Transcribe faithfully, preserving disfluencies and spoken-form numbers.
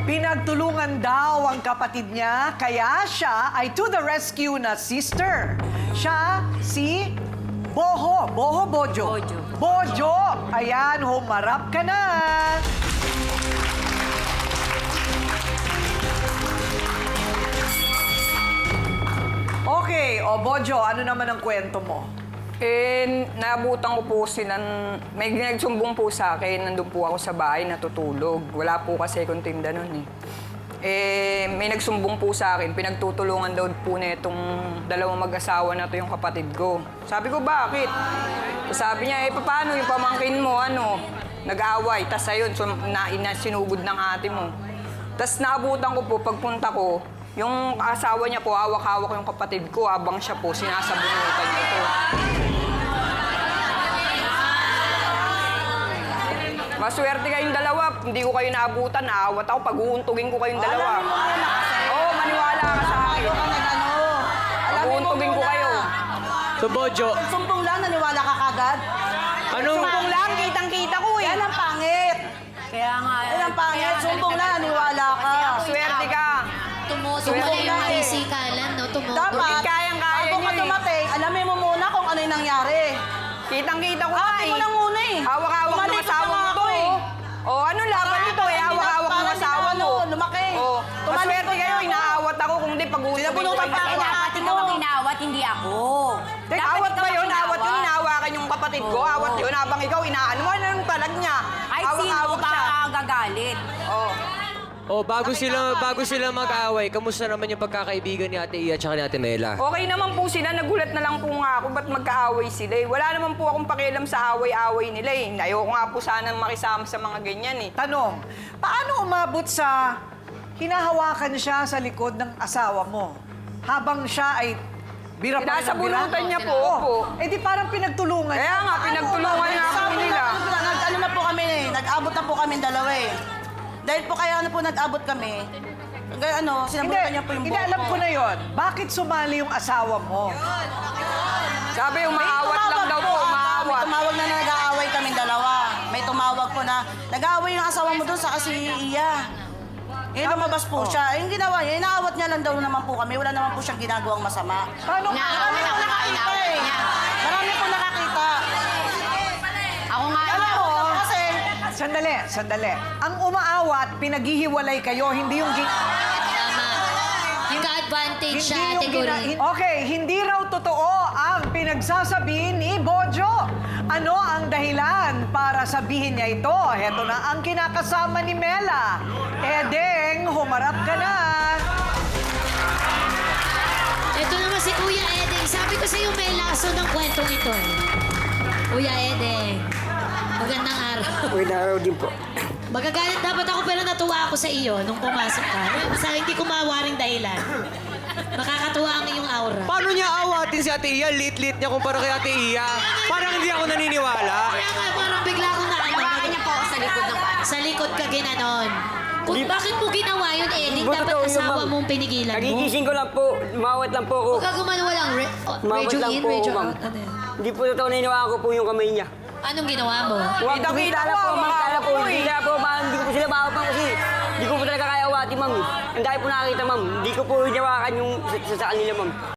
Pinagtulungan daw ang kapatid niya, kaya siya ay to the rescue na sister. Siya si Boho. Boho, Bojo. Bojo. Bojo! Ayan, humarap ka na. Okay, o Bojo, ano naman ang kwento mo? Eh, naabutan ko po sila, may nagsumbong po sa akin, nandun po ako sa bahay, natutulog. Wala po kasi akong tinda nun eh. Eh, may nagsumbong po sa akin, pinagtutulungan daw po na itong dalawang mag-asawa na to yung kapatid ko. Sabi ko, bakit? Sabi niya, eh, paano yung pamangkin mo, ano? Nag-aaway, tas ayun, so, na, ina, sinugod ng ate mo. Tas naabutan ko po, pagpunta ko, yung asawa niya po, hawak-hawak yung kapatid ko, habang siya po, sinasabunutan niya po. Maswerte kayong dalawa. Hindi ko kayo naabutan. Naawat ako. Pag-uuntugin ko kayong dalawa. Oo, maniwala ka sa akin. Pag-uuntugin ko kayo. So, Bojo, Sumpong lang, naniwala ka kagad. anong... Sumpong lang, kitang-kita ko eh. Yan ang pangit. Kaya nga, Yan ang pangit. Sumpong lang, naniwala ka. Swerte ka. tumutok Sumpong na yung lang eh. pisikalan, no? Tumutok. Dapat, kayang-kaya bago niyo ka eh. dumating, alamin mo muna kung ano yung nangyari. Kitang-kita ko nga Ate eh. mo na muna eh. Hawak-hawak ng Tumalikod asawa na mo nga to ako eh. Oh, ano laban nito eh? Hawak-hawak ng asawa mo. Lumaki. Oh, Tumalikod maswerte kayo. na ako. Inaawat ako kung di pag-uuntugin ko Sinabunutan kayo. pa ako. Dapat ikaw ang inawat, hindi ako. Teka, Dapat awat ikaw ba ang yun? Awat yun, inawat. inahawakan yung kapatid ko. Oo. Awat yun, habang ikaw inaano mo, ano yung talag niya? Ay, sino Hawak-hawak ba siya. gagalit? Oh. Oh, bago sila bago sila mag-away, kamusta naman yung pagkakaibigan ni Ate Iya at ni Ate Mela? Okay naman po sila, nagulat na lang po nga ako, ba't magkaaway sila eh. Wala naman po akong pakialam sa away-away nila eh. Ayoko nga po sana makisama sa mga ganyan eh. Tanong, paano umabot sa hinahawakan siya sa likod ng asawa mo? Habang siya ay bira pa rin ng bira? Sinasabunutan niya po, Oh, opo. eh di parang pinagtulungan. Kaya nga, pinagtulungan nga po Sabi nila. na, nag, ano na po kami eh, nag-abot na po kami dalawa eh. Dahil po kaya ano po nag-abot kami, kaya ano, Hindi, sinabunutan niya po yung hindi buhok alam ko na yon. Bakit sumali yung asawa mo? Sabi, umaawat May lang tumawag daw po, ah, umaawat. May tumawag na na nag-aaway kami dalawa. May tumawag po na, nag-aaway yung asawa mo doon sa kasi Iya. Eh, lumabas po siya. Eh, yung ginawa niya, inaawat niya lang daw naman po kami. Wala naman po siyang ginagawang masama. Paano? Inaawat Marami ako, po nakakita inaawat eh. niya. Marami po nakakita. Ako nga Alam inaawat. mo, kasi Sandali, sandali. Ang umaawat, pinaghihiwalay kayo, hindi yung... gi- Tama. Yung ka-advantage siya, Hindi Ate yung gina- Guri. hin- Okay, hindi raw totoo ang pinagsasabi ni Bojo. Ano ang dahilan para sabihin niya ito? Heto na ang kinakasama ni Mela. Edeng, humarap ka na. Ito naman si Kuya Edeng. Sabi ko sa iyo, may laso ng kwentong ito. eh. Kuya Edeng, magandang araw. Magandang araw din po. Magagalit dapat ako pero natuwa ako sa iyo nung pumasok ka. Sa hindi ko mawaring dahilan. Makakatuwa ang iyong aura. Paano niya awatin si Ate Iya? Lit-lit niya kumpara kay Ate Iya. Parang hindi ako naniniwala. Kaya nga parang bigla ko na ano. Hawakan niya po ako sa likod ng Sa likod ka ginanon. Kung bakit mo ginawa yun, Edeng? Hindi Dapat totoo yun, asawa ma'am. mong pinigilan mo. Nagigising ko lang po. Umawat lang po ako. Huwag ka gumano walang re- oh, Umawat radio lang in, po, radio ma'am. out. Ano yun? Hindi po totoo naniniwala ko po yung kamay niya. Anong ginawa mo? Huwag Kita-kita kumita na ko, po, ma'am. Kala po, makakako hindi eh. na po, ma'am. Hindi ko po sila makapang kasi hindi ko po talaga kaya awatin, ma'am. Ang dahil po nakakita, ma'am. Hindi ko po hinawakan yung sa, sa, sa kanila, ma'am.